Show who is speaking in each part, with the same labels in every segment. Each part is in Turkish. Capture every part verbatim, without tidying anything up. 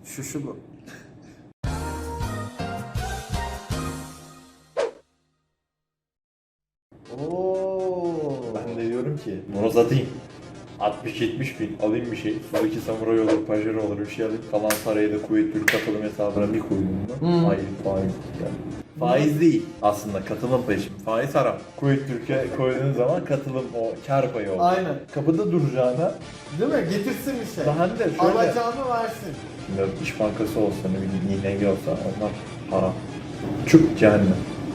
Speaker 1: Şu şu bu. Oo.
Speaker 2: Ben de diyorum ki bunu satayım. altmış yetmiş bin alayım bir şey. Suzuki Samurai olur, Pajero olur bir şey alayım. Kalan parayı da Kuveyt Türk katılım hesabına bir koydum bunu.
Speaker 1: Hmm.
Speaker 2: Hayır faiz. Yani. Faiz değil aslında katılım payı şimdi. Faiz haram. Kuveyt Türk'e koyduğun zaman katılım o kar payı olur.
Speaker 1: Aynen.
Speaker 2: Kapıda duracağına
Speaker 1: Değil mi? Getirsin bir şey.
Speaker 2: daha ne de şöyle.
Speaker 1: Alacağını versin.
Speaker 2: Şimdi İş Bankası olsa ne bileyim İ N G olsa onlar haram. Çuk cehennem.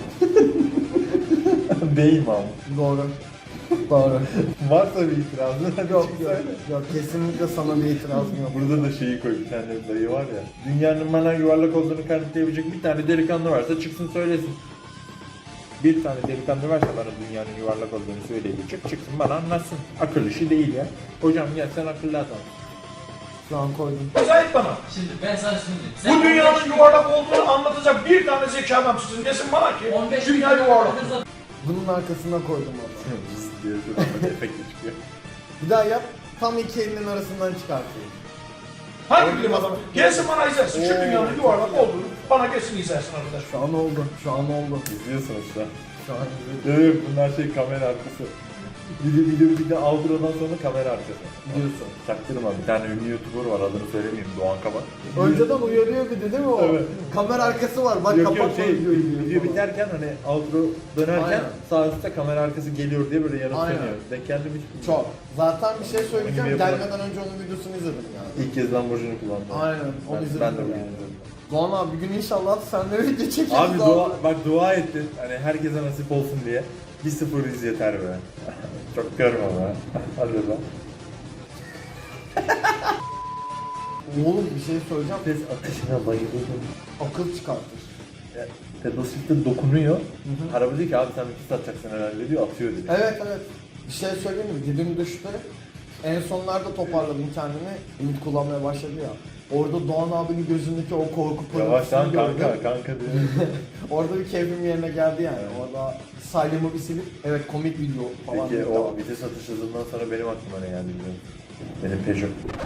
Speaker 2: Değil mi ama?
Speaker 1: Doğru. Doğru.
Speaker 2: Varsa bir itirazın hadi
Speaker 1: Yok
Speaker 2: çık
Speaker 1: yok.
Speaker 2: söyle.
Speaker 1: Yok kesinlikle sana bir itirazım yok.
Speaker 2: Burada da şeyi koy, bir tane dayı var ya. Dünyanın bana yuvarlak olduğunu kanıtlayabilecek bir tane delikanlı varsa çıksın söylesin. Bir tane delikanlı varsa bana dünyanın yuvarlak olduğunu söyleyebilecek, çıksın bana anlatsın. Akıl işi değil ya. Hocam gel sen akıllı adam.
Speaker 1: Şu an koydum.
Speaker 3: Zahit bana.
Speaker 4: Şimdi ben sana şunu diyeyim. Sen
Speaker 3: Bu dünyanın yuvarlak olduğunu anlatacak bir tane zeki adam sizin desin bana ki
Speaker 4: on beş
Speaker 3: dünya
Speaker 4: bin
Speaker 3: yuvarlak.
Speaker 1: Bunun arkasına koydum onu.
Speaker 2: Zız diye şuradan efekti çıkıyor.
Speaker 1: Bir daha yap. Tam iki elinin arasından çıkartayım.
Speaker 3: Hangi bilim adamı? Gelsin bana izlesin şu
Speaker 1: Oo.
Speaker 3: dünyanın yuvarlak olduğunu. Bana gelsin izlesin arkadaş.
Speaker 1: Şu an oldu. Şu an oldu.
Speaker 2: İzliyorsunuz şu an.
Speaker 1: Şu an
Speaker 2: Evet bunlar şey kamera arkası. Bir de, bir de, bir de outro'dan sonra kamera arkası.
Speaker 1: diyorsun.
Speaker 2: Çaktırma bir tane ünlü YouTuber var adını söylemeyeyim Doğan Kabak.
Speaker 1: Önceden uyarıyor bir de değil mi o?
Speaker 2: Evet.
Speaker 1: Kamera arkası var. Bak
Speaker 2: Yok yok
Speaker 1: kapatma
Speaker 2: şey
Speaker 1: videoyu diyor.
Speaker 2: video biterken hani outro dönerken
Speaker 1: Aynen.
Speaker 2: sağ üstte kamera arkası geliyor diye böyle yanıp
Speaker 1: Aynen.
Speaker 2: sönüyor. Denk geldi mi hiç bilmiyorum.
Speaker 1: Çok. Zaten bir şey söyleyeceğim.
Speaker 2: Gibi yapılan-
Speaker 1: Gelmeden önce onun videosunu izledim yani.
Speaker 2: İlk kez Lamborghini kullandım.
Speaker 1: Aynen. Onu
Speaker 2: Ben,
Speaker 1: izledim.
Speaker 2: ben de bugün
Speaker 1: yani.
Speaker 2: izledim.
Speaker 1: Doğan abi bir gün inşallah senle video çekeriz.
Speaker 2: Abi dua, bak dua ettin hani herkese nasip olsun diye. bir sıfır iz yeter be. Çok görme be. Hadi be.
Speaker 1: Oğlum bir şey söyleyeceğim.
Speaker 2: Ses atışına bayılıyorum.
Speaker 1: Akıl çıkartır.
Speaker 2: Ya, pedal shift'e dokunuyor. Araba diyor ki abi sen bir satacaksın herhalde diyor atıyor diyor.
Speaker 1: Evet evet. Bir şey söyleyeyim mi? Dibim düştü. En sonlarda toparladım kendimi. Ümit kullanmaya başladı ya. Orada Doğan abinin gözündeki o korku
Speaker 2: Yavaş lan
Speaker 1: pırıltısını gördüm.
Speaker 2: kanka kanka diyor.
Speaker 1: Orada bir keyfim yerine geldi yani. Orada saylımı bir silip evet komik video falan.
Speaker 2: Peki
Speaker 1: dedim.
Speaker 2: o vites atış hızından sonra benim aklıma ne geldi biliyor musun? Benim Peugeot.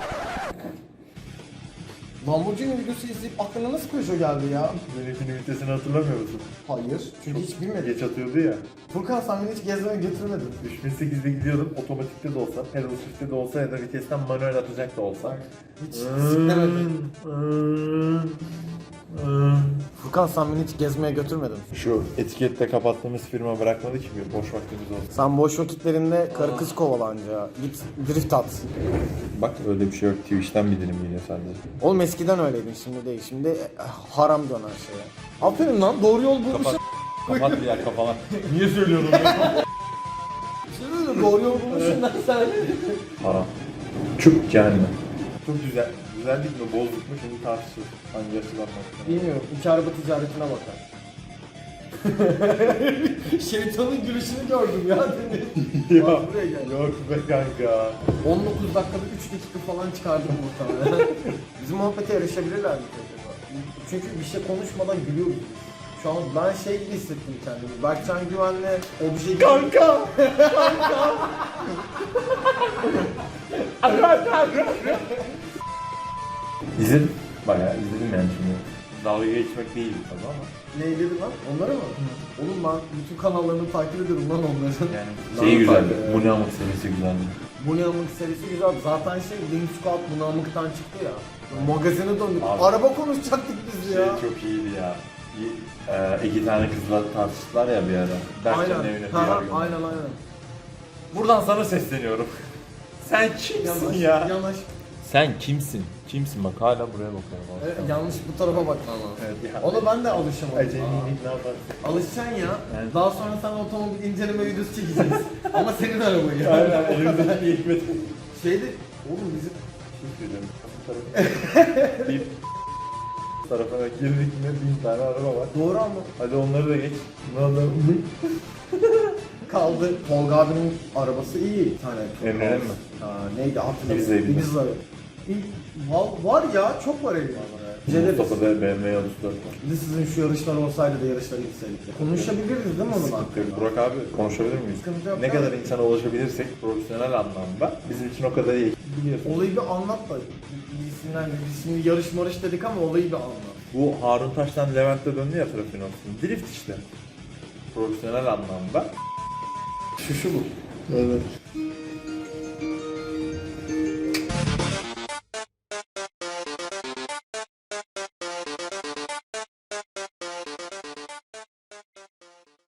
Speaker 1: Lamborghini videosu izleyip aklına nasıl Peugeot geldi ya?
Speaker 2: Benimkinin vitesini hatırlamıyor musun?
Speaker 1: Hayır. Çünkü hiç bilmedim.
Speaker 2: Geç atıyordu ya.
Speaker 1: Furkan sen beni hiç gezmeye götürmedin.
Speaker 2: üç bin sekizde gidiyordum otomatikte de olsa, pedal shift'te de olsa ya da vitesten manuel atacak da olsa.
Speaker 1: Hiç siklemedim. Furkan sen beni hiç gezmeye götürmedin.
Speaker 2: Şu etikette kapattığımız firma bırakmadı ki bir boş vaktimiz olsun.
Speaker 1: Sen boş vakitlerinde karı kız kovalanca git drift at.
Speaker 2: Bak öyle bir şey yok. Twitch'ten bir dilim geliyor sadece.
Speaker 1: Oğlum eskiden öyleydin şimdi değil. Şimdi eh, haram dönen şeye. Aferin lan doğru yol bulmuşsun.
Speaker 2: Kapat. Kapat bir yer kafana. Niye söylüyorum bunu?
Speaker 1: Şimdi doğru yol bulmuşsun lan sen.
Speaker 2: Haram. Çuk cehennem. Çok güzel. Güzellik mi bozduk mu şimdi tartışıyoruz. Hangi açıdan baktığına.
Speaker 1: Bilmiyorum. İki araba ticaretine bakar. Şeytanın gülüşünü gördüm ya.
Speaker 2: Ya,
Speaker 1: Bak buraya gel.
Speaker 2: yok be kanka.
Speaker 1: on dokuz dakikada üç dakika falan çıkardım muhtemelen. Bizim muhabbete yarışabilirler mi acaba? Çünkü bir şey konuşmadan gülüyoruz. Şu an ben şey gibi hissettim kendimi. Berkcan Güven'le obje gibi.
Speaker 2: Kanka! İzledim. Bayağı izledim yani şimdi. Dalga geçmek değil tabii ama.
Speaker 1: Neydi lan? Onları mı? Oğlum ben bütün kanallarını takip ediyorum lan onların.
Speaker 2: Yani
Speaker 1: Lan
Speaker 2: şey güzeldi.
Speaker 1: takip ediyorum.
Speaker 2: Bu ne amık serisi güzeldi.
Speaker 1: Bu ne amık serisi güzel. Zaten şey Wing Squad bu ne amıktan çıktı ya. Magazine döndük.
Speaker 2: Abi.
Speaker 1: Araba konuşacaktık biz
Speaker 2: Şey
Speaker 1: ya.
Speaker 2: çok iyiydi ya. Bir, e, iki tane kızla tartıştılar ya bir ara. Berkcan'ın
Speaker 1: Aynen.
Speaker 2: evine
Speaker 1: Ha,
Speaker 2: diyar gönderdi.
Speaker 1: aynen aynen.
Speaker 2: Buradan sana sesleniyorum. Sen kimsin
Speaker 1: Yanlış,
Speaker 2: ya?
Speaker 1: yanlış.
Speaker 2: Sen kimsin? Kimsin bak hala buraya bakıyorum.
Speaker 1: Evet, yanlış bu tarafa bakman lazım.
Speaker 2: Evet, ya.
Speaker 1: Ona ben de alışamadım.
Speaker 2: Acemilik ne yaparsın?
Speaker 1: Alışacaksın ya.
Speaker 2: Evet.
Speaker 1: Daha sonra sana otomobil inceleme videosu çekeceğiz. Ama senin arabayı. ya.
Speaker 2: Aynen elimizdeki hikmet.
Speaker 1: Şeydi, oğlum bizim
Speaker 2: Bir tarafına girdik mi bin tane araba var.
Speaker 1: doğru ama
Speaker 2: Hadi onları da geç. Ne oldu?
Speaker 1: kaldı. Tolga abinin arabası iyi. Bir tane.
Speaker 2: Emre'nin mi?
Speaker 1: Ha, neydi hatırlamıyorum.
Speaker 2: Ibiza, Ibiza.
Speaker 1: Ibiza. Var, var ya, çok var evde. Celeriz.
Speaker 2: Mustafa'da B M W Yavuz dört var.
Speaker 1: Bir de sizin şu yarışlar olsaydı da yarışları gitseydik. Konuşabiliriz değil mi onun hakkında?
Speaker 2: Burak abi konuşabilir miyiz?
Speaker 1: Sıkıntı yok
Speaker 2: Ne
Speaker 1: abi.
Speaker 2: kadar insana ulaşabilirsek profesyonel anlamda bizim için o kadar iyi. Biliyorsun.
Speaker 1: Olayı bir anlat da isimden biz şimdi yarış marış dedik ama olayı bir anlat.
Speaker 2: Bu Harun Taş'tan Levent'te döndü ya trafiğin olsun. Drift işte. Profesyonel anlamda. Şu şu bu.
Speaker 4: Evet.